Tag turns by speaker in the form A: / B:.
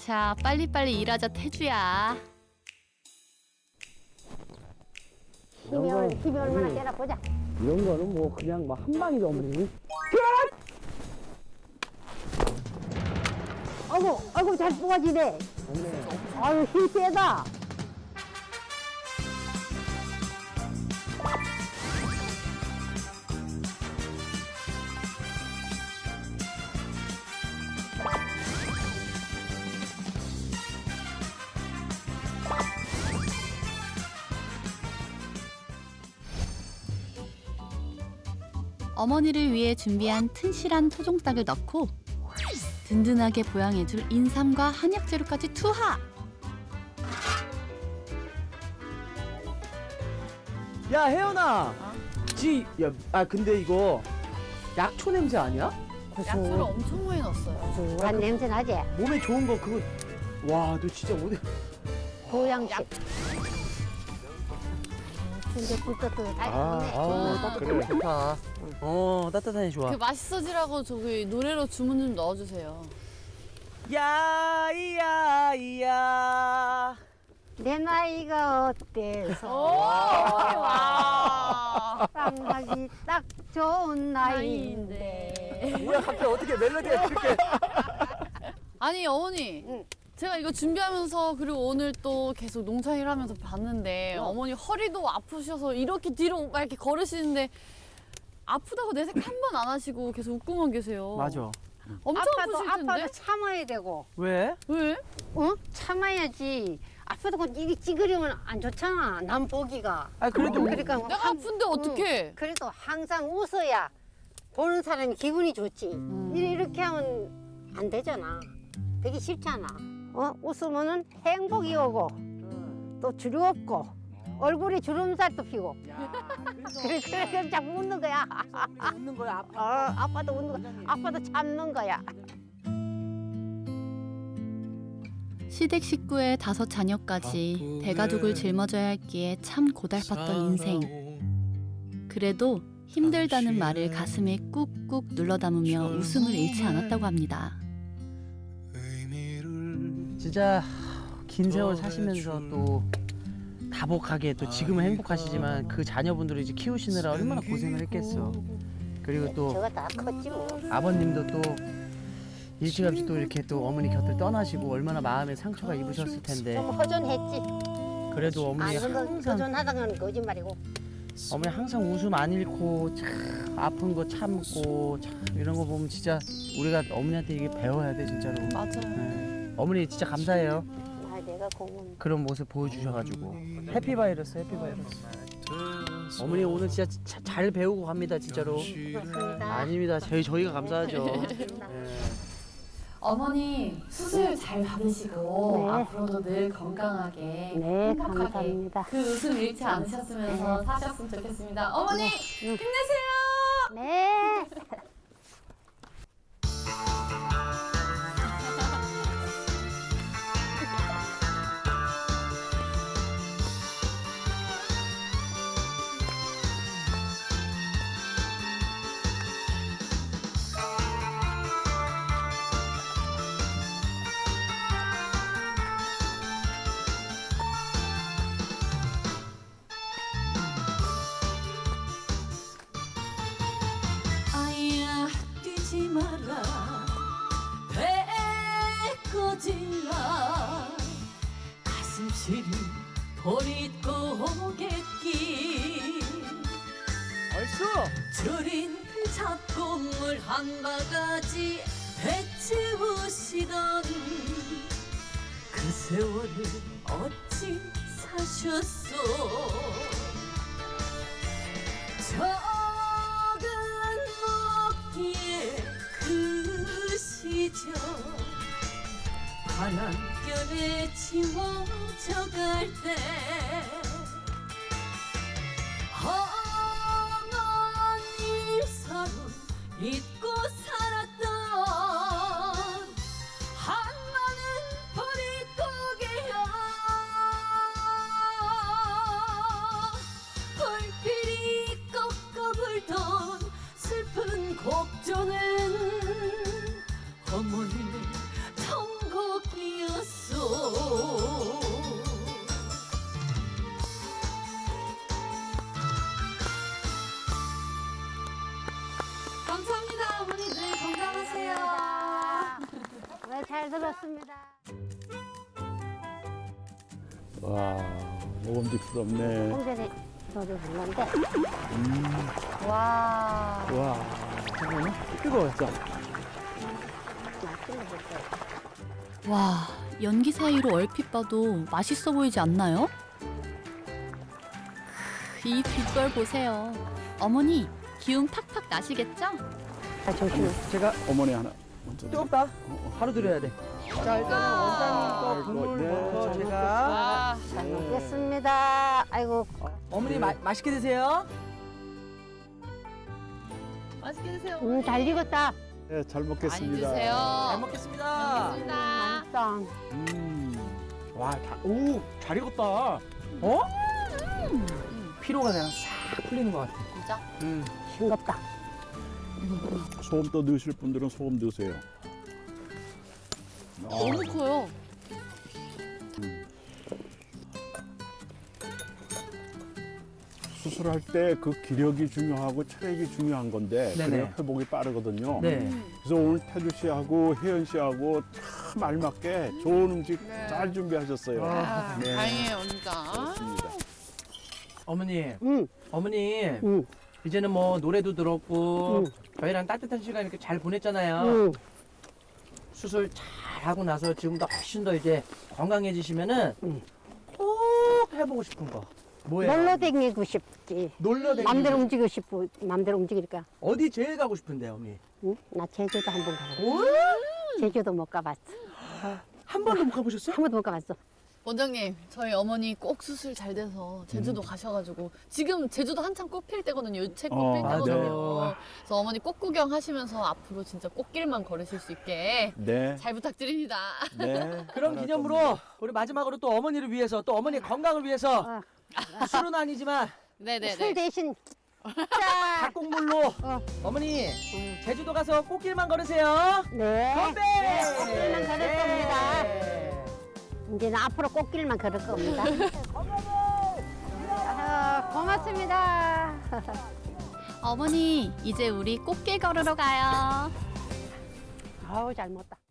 A: 자, 빨리빨리 일하자, 태주야.
B: 힘이 얼마나 되나 보자.
C: 이런 거는 뭐 그냥 막 한 방이도 없니?
B: 아이고 잘 뽑아지네. 아유 힘 세다.
A: 어머니를 위해 준비한 튼실한 토종닭을 넣고 든든하게 보양해줄 인삼과 한약 재료까지 투하!
C: 야 혜연아, 근데 이거 약초 냄새 아니야?
A: 약초를 엄청 많이 넣었어요.
B: 고소한 냄새 나지?
C: 몸에 좋은 거 그거. 와, 너 진짜 어디?
B: 보양식. 근데 꿀떡꿀떡
C: 그래 좋다. 따뜻하니 좋아.
A: 그 맛있어지라고 저기 노래로 주문 좀 넣어주세요.
C: 야야야.
B: 내 나이가 어때서
A: 와!
B: 쌍하기 딱 좋은 나이인데.
C: 뭐야 갑자기 어떻게 멜로디가 이렇게?
A: 아니 어머니, 제가 이거 준비하면서 그리고 오늘 또 계속 농사일 하면서 봤는데 어머니 허리도 아프셔서 이렇게 뒤로 막 이렇게 걸으시는데 아프다고 내색 한 번 안 하시고 계속 웃고만 계세요.
C: 맞아.
A: 엄청 아프실 텐데?
B: 아파도 참아야 되고.
C: 왜?
A: 왜?
B: 참아야지. 아파도 이리 찌그리면 안 좋잖아. 남 보기가.
C: 아 그래도
B: 그러니까
A: 내가 아픈데 어떡해?
B: 그래도 항상 웃어야 보는 사람이 기분이 좋지. 이렇게 하면 안 되잖아. 되게 싫잖아. 웃으면은 행복이 오고 또 즐겁고 얼굴에 주름살도 피고. 그래 자꾸 웃는 거야.
C: 웃는 거야.
B: 아빠도 웃는 거야. 아빠도 참는 거야.
A: 시댁 식구의 5 자녀까지 대가족을 짊어져야 했기에 참 고달팠던 인생. 그래도 힘들다는 말을 가슴에 꾹꾹 눌러 담으며 웃음을 잃지 않았다고 합니다.
C: 진짜 긴 세월 사시면서 또 다복하게 또 지금은 행복하시지만 그 자녀분들을 이제 키우시느라 얼마나 고생을 했겠어. 그리고 또
B: 저거 다 컸지 뭐.
C: 아버님도 또 일찌감치 또 이렇게 또 어머니 곁을 떠나시고 얼마나 마음에 상처가 입으셨을 텐데.
B: 좀 허전했지.
C: 그래도 어머니 항상
B: 허전하다는 건 거짓말이고.
C: 어머니 항상 웃음 안 잃고 참 아픈 거 참고 참 이런 거 보면 진짜 우리가 어머니한테 이게 배워야 돼 진짜로.
A: 맞아요.
C: 네. 어머니 진짜 감사해요.
B: 내가 고문.
C: 그런 모습 보여주셔가지고 해피바이러스 해피바이러스. 어머니 오늘 진짜 잘 배우고 갑니다 진짜로.
B: 고맙습니다.
C: 아닙니다 저희가 감사하죠. 네.
A: 어머니 수술 잘 받으시고
B: 네.
A: 앞으로도 늘 건강하게
B: 네,
A: 행복하게
B: 감사합니다.
A: 그 웃음 잃지 않으셨으면서 사셨으면 좋겠습니다. 어머니 힘내세요.
B: 네.
D: 아야 뛰지 마라 배꺼질라 가슴 시린 보릿고개길
C: 얼쑤.
D: 줄인 잡곡물 한 바가지 배치우시던 그 세월을 어찌 사셨소 적은 먹기에 그 시절 바람결에 지워져 갈 때 어머님 서로 잊고 살았던 한마는 보릿고개야 불길이 꺾어 불던 슬픈 곡조는 어머니의 천곡이었어
B: 잘 들었습니다.
E: 와, 먹음직스럽네.
B: 홍대리 저도 불렀는데
A: 와.
E: 와, 잠깐만요. 뜨거웠죠?
B: 맛있는 거 있어요.
A: 와, 연기 사이로 얼핏 봐도 맛있어 보이지 않나요? 이 빛깔 보세요. 어머니, 기운 팍팍 나시겠죠?
B: 아, 조심해.
C: 제가
E: 어머니 하나 먼저.
C: 뜨겁다. 바로 드려야 돼. 자, 일단은 원장님 거
E: 아이고,
C: 국물
E: 네,
C: 먼저
E: 잘
C: 제가.
A: 아,
B: 잘 먹겠습니다. 아이고,
C: 어머니 맛있게 드세요.
A: 맛있게 드세요.
B: 잘 익었다.
E: 네, 잘
A: 많이
E: 먹겠습니다.
A: 드세요.
C: 잘 먹겠습니다.
A: 먹겠습니다.
B: 맛있다.
C: 와, 잘 익었다. 어? 피로가 그냥 싹 풀리는 것 같아.
A: 진짜?
B: 싱겁다.
E: 소금 또 넣으실 분들은 소금 넣으세요.
A: 너무 커요.
E: 수술할 때 그 기력이 중요하고 체력이 중요한 건데
C: 네네.
E: 그래야 회복이 빠르거든요.
C: 네.
E: 그래서 오늘 태주 씨하고 혜연 씨하고 참 알맞게 좋은 음식
A: 네.
E: 잘 준비하셨어요.
C: 아,
E: 네.
A: 다행이에요, 진짜.
E: 좋습니다.
C: 어머니,
B: 응,
C: 어머니,
B: 응,
C: 이제는 뭐 노래도 들었고
B: 응.
C: 저희랑 따뜻한 시간 이렇게 잘 보냈잖아요.
B: 응.
C: 수술 잘 하고 나서 지금도 훨씬 더 이제 건강해지시면은
B: 응.
C: 꼭 해보고 싶은 거 뭐예요?
B: 놀러 다니고 싶지.
C: 놀러 다니고
B: 맘대로 움직이고 싶고, 맘대로 움직이니까.
C: 어디 제일 가고 싶은데 어머니?
B: 응? 나 제주도 한번 가봤어.
C: 오?
B: 제주도 못 가봤어.
C: 한 번도 못 가보셨어요?
B: 한 번도 못 가봤어.
A: 원장님, 저희 어머니 꼭 수술 잘 돼서 제주도 가셔가지고 지금 제주도 한창 꽃필 때거든요. 유채 꽃필
E: 맞아요.
A: 때거든요. 그래서 어머니 꽃 구경하시면서 앞으로 진짜 꽃길만 걸으실 수 있게
E: 네.
A: 잘 부탁드립니다.
E: 네.
C: 그럼 기념으로 우리 마지막으로 또 어머니를 위해서 또 어머니의 건강을 위해서
B: 어.
C: 술은 아니지만
B: 술
A: 네네네.
B: 대신 자,
C: 닭국물로 어머니 제주도 가서 꽃길만 걸으세요.
B: 네.
C: 건배!
B: 꽃길만 걸을 겁니다.
C: 네.
B: 이제는 앞으로 꽃길만 걸을 겁니다. 아, 고맙습니다.
A: 어머니, 이제 우리 꽃길 걸으러 가요.
B: 아우, 잘 먹었다.